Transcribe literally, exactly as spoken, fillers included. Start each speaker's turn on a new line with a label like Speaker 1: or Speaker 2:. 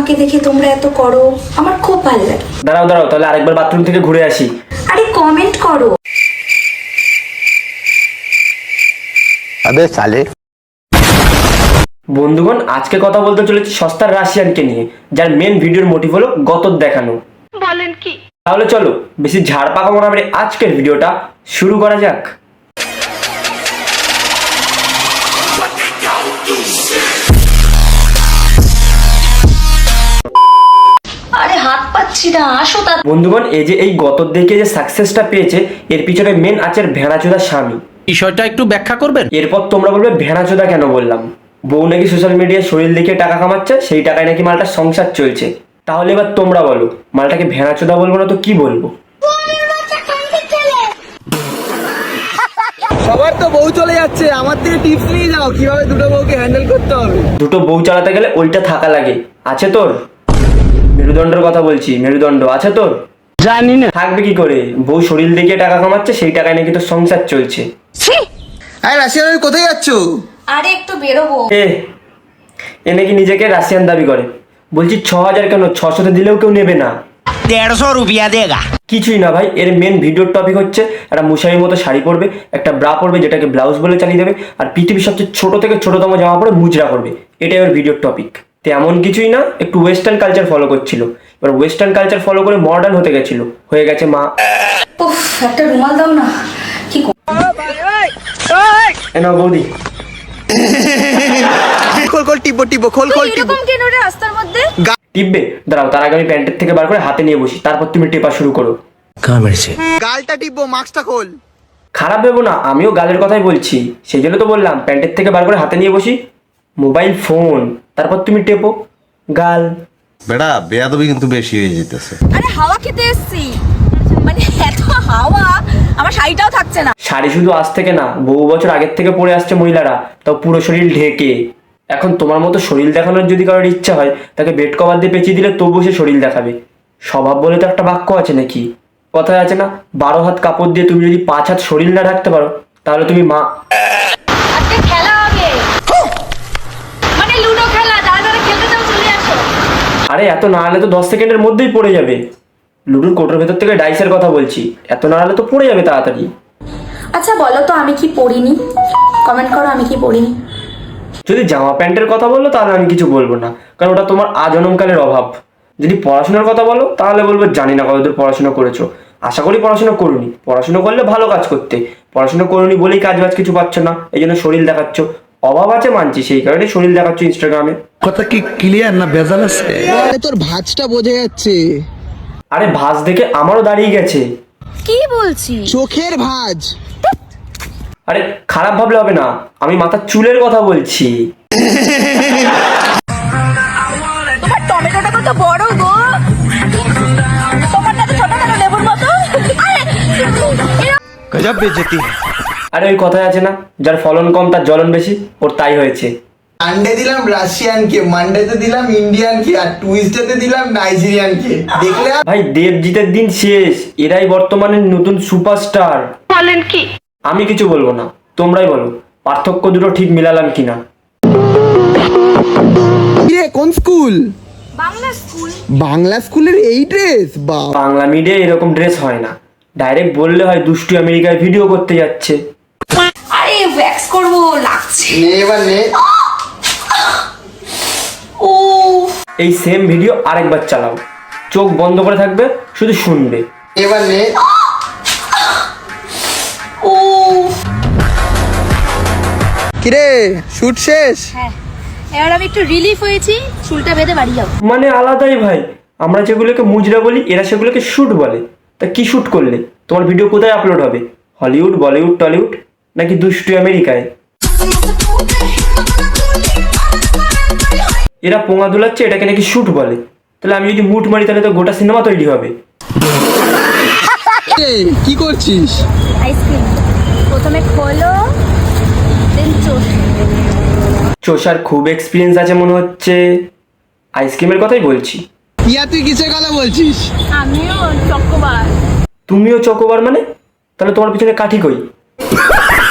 Speaker 1: আমাকে দেখে তোমরা এত করো, আমার খুব ভালো লাগে।
Speaker 2: দাঁড়াও দাঁড়াও, তাহলে আরেকবার বাথরুম থেকে ঘুরে আসি।
Speaker 1: আরে কমেন্ট করো।
Speaker 3: আবে সালে।
Speaker 2: বন্ধুগণ, আজকে কথা বলতে চলেছি সস্তার রাশিয়ানকে নিয়ে, যার মেন ভিডিওর মোটিভ হলো গতর দেখানো।
Speaker 4: বলেন কি?
Speaker 2: তাহলে চলো বেশি ঝাড় পাকা মনে করে আজকের ভিডিওটা শুরু করা যাক।
Speaker 1: আরে হাত পাচ্ছি না, আসো তা।
Speaker 2: বন্ধুগণ, এই যে এই গতর দেখে যে সাকসেসটা পেয়েছে, এর পিছনে মেন আছে ভেড়াচোদা স্বামী।
Speaker 5: বিষয়টা একটু ব্যাখ্যা করবেন?
Speaker 2: এরপর তোমরা বলবে ভেড়াচোদা কেন বললাম। বউ নাকি সোশ্যাল মিডিয়ায় শরীর দেখে টাকা কামাচ্ছে, সেই টাকায় নাকি মালটার সংসার চলছে। তাহলে এবার তোমরা বলো, মালটাকে ভেড়াচোদা বলবো না তো কি বলবো?
Speaker 6: সবার তো বউ চলে যাচ্ছে, আমার থেকে টিপস নিয়ে যাও কিভাবে দুটো বউকে হ্যান্ডেল করতে হবে।
Speaker 2: দুটো বউ চালাতে গেলে ওইটা থাকা লাগে। আছে তোর? মেরুদণ্ডের কথা বলছি, মেরুদণ্ড আছে তোর?
Speaker 5: জানি না।
Speaker 2: থাকবে কি করে? বউ শরীর দেখিয়ে টাকা কামাচ্ছে, সেই টাকায় নাকি তোর সংসার চলছে।
Speaker 6: আরে রাশিয়ান, আমি কোথায় যাচ্ছ?
Speaker 1: আরে একটু বেরোবো।
Speaker 2: এ এ নাকি নিজেকে রাশিয়ান দাবি করে। বলছি ছ হাজার কেন, ছশোতে দিলেও কেউ নেবে না।
Speaker 5: দেড়শো রুপিয়া দেগা।
Speaker 2: কিছুই না ভাই, এর মেন ভিডিওর টপিক হচ্ছে একটা মুসাইয়ের মতো শাড়ি পরবে, একটা ব্রা পরবে যেটাকে ব্লাউজ বলে চালিয়ে দেবে, আর পৃথিবীর সবচেয়ে ছোট থেকে ছোটতম জামা পরে মুজরা করবে। এটাই ওর ভিডিওর টপিক। তেমন কিছুই না, একটু ওয়েস্টার্ন কালচার ফলো করছিল। এবার ওয়েস্টার্ন কালচার ফলো করে মডার্ন হতে গেছিল, হয়ে গেছে মা।
Speaker 1: উফ, একটা রুমাল দাও না। কি
Speaker 2: এ নাও বৌদি।
Speaker 6: খোল খোল টিপো টিপো খোল খোল টিপো।
Speaker 1: এরকম কেন রে রাস্তার মধ্যে?
Speaker 2: টিপবে? দাঁড়াও, তার আগে আমি প্যান্টের থেকে বার করে হাতে নিয়ে বসি, তারপর তুমি টেপা শুরু করো।
Speaker 6: গালটা টিপো, মাস্কটা খোল।
Speaker 2: খারাপ ভেবো না, আমিও গালের কথাই বলছি। সেই জন্য তো বললাম প্যান্টের থেকে বার করে হাতে নিয়ে বসি। মোবাইল ফোন, তারপর তুমি টেপো গাল।
Speaker 3: বেড়া বেয়াদবি কিন্তু বেশি হয়ে যেতেছে।
Speaker 1: আরে হাওয়া খেতে এসছি, মানে এত হাওয়া আমার শাড়িটাও থাকছে না।
Speaker 2: শাড়ি শুধু আজ থেকে না, বহু বছর আগের থেকে পরে আসছে মহিলারা, তাও পুরো শরীর ঢেকে। এখন তোমার মতো শরীর দেখানোর যদি কারোর ইচ্ছা হয়, তাকে বেড কভার দিয়ে পেঁচিয়ে দিলে তবুও সে শরীর দেখাবে। স্বভাব বলে তো একটা বাক্য আছে নাকি? কথায় আছে না, বারো হাত কাপড় দিয়ে তুমি যদি পাঁচ হাত শরীর না ঢাকতে পারো, তাহলে তুমি মা।
Speaker 1: আজকে খেলা হবে, মানে লুডো খেলা। যারা যারা খেলতে চাও চলে আসো।
Speaker 2: আরে এত নাড়ালে তো দশ সেকেন্ডের মধ্যেই পড়ে যাবে। লুডুর কোটোর ভেতর থেকে ডাইসের কথা বলছি, এত নাড়ালে তো পড়ে যাবে তাড়াতাড়ি।
Speaker 1: আচ্ছা বলো তো, আমি কি পড়িনি? কমেন্ট করো, আমি কি পড়িনি?
Speaker 2: যদি জামা প্যান্টের কথা বললো তাহলে আমি কিছু বলবো না, কারণ ওটা তোমার আজনমকালের অভাব। যদি পড়াশোনার কথা বলো তাহলে বলবো জানি না কতদূর পড়াশোনা করেছো। আশা করি পড়াশোনা করুনি। পড়াশোনা করলে ভালো কাজ করতে, পড়াশোনা করুনি বলেই কাজ বাজ কিছু পাচ্ছ না, এই জন্য শরীর দেখাচ্ছ। অভাব আছে মানছি, সেই কারণে শরীর দেখাচ্ছ ইনস্টাগ্রামে।
Speaker 7: কথা কি ক্লিয়ার না ভেজাল আছে?
Speaker 6: আরে তোর ভাঁজটা বোঝা যাচ্ছে।
Speaker 2: আরে ভাঁজ দেখে আমারও দাঁড়িয়ে গেছে।
Speaker 1: কি বলছি?
Speaker 6: চোখের ভাঁজ।
Speaker 2: আরে খারাপ ভাবলে হবে না, আমি মাথার চুলের কথা বলছি।
Speaker 1: তোমার টমেটোটা কত বড় গো, তোমারটা তো ছোট ছোট লেবুর মতো।
Speaker 7: গজব বেজতি।
Speaker 2: আরে ওই কথায় আছে না, যার ফলন কম তার জ্বলন বেশি, ওর তাই হয়েছে।
Speaker 6: সানডে দিলাম রাশিয়ানকে, মানডেতে দিলাম ইন্ডিয়ানকে, আর টুইসডেতে দিলাম নাইজেরিয়ানকে। দেখলে
Speaker 2: ভাই দেবজিতের দিন শেষ, এরাই বর্তমানে নতুন সুপারস্টার।
Speaker 4: বলেন কি?
Speaker 2: আমি কিছু বলবো না, তোমরাই বলো পার্থক্য দুটো ঠিক মিলালাম কিনা।
Speaker 6: রে কোন স্কুল?
Speaker 1: বাংলা স্কুল।
Speaker 6: বাংলা স্কুলের এই ড্রেস? বা
Speaker 2: বাংলা মিডিয়ায় এরকম ড্রেস হয় না, ডাইরেক্ট বললে হয় দুষ্টু আমেরিকায় ভিডিও করতে যাচ্ছে।
Speaker 1: আরে ওয়্যাক্স করবো, লাগছে।
Speaker 6: নে এবার নে।
Speaker 1: ও
Speaker 2: এই সেম ভিডিও আরেকবার চালাও, চোখ বন্ধ করে থাকবে, শুধু শুনবে।
Speaker 6: এবার নে।
Speaker 1: ও
Speaker 6: কিরে শুট শেষ?
Speaker 1: হ্যাঁ, এবার আমি একটু রিলিফ হয়েছি, চুলটা বেঁধে বাড়ি যাও।
Speaker 2: মানে আলাদাই ভাই, আমরা যেগুলোকে মুজরা বলি এরা সেগুলোকে শুট বলে। তা কি শুট করলে? তোমার ভিডিও কোথায় আপলোড হবে? হলিউড, বলিউড, টলিউড, নাকি দুষ্টু আমেরিকায়? এরা পোঙা দুলাচ্ছে, এটাকে নাকি শুট বলে। তাহলে আমি যদি মুট মারি তাহলে তো গোটা সিনেমা তৈরি হবে।
Speaker 6: এই, কি করছিস?
Speaker 1: আইসক্রিম প্রথমে খোলো, দেন চোষ।
Speaker 2: চোষার খুব এক্সপিরিয়েন্স আছে মনে হচ্ছে। আইসক্রিমের কথাই বলছি।
Speaker 6: ইয়া তুই কিসের কথা বলছিস?
Speaker 1: আমিও চকোবার।
Speaker 2: তুমিও চকোবার মানে? তাহলে তোমার পিছনে কাঠি কই?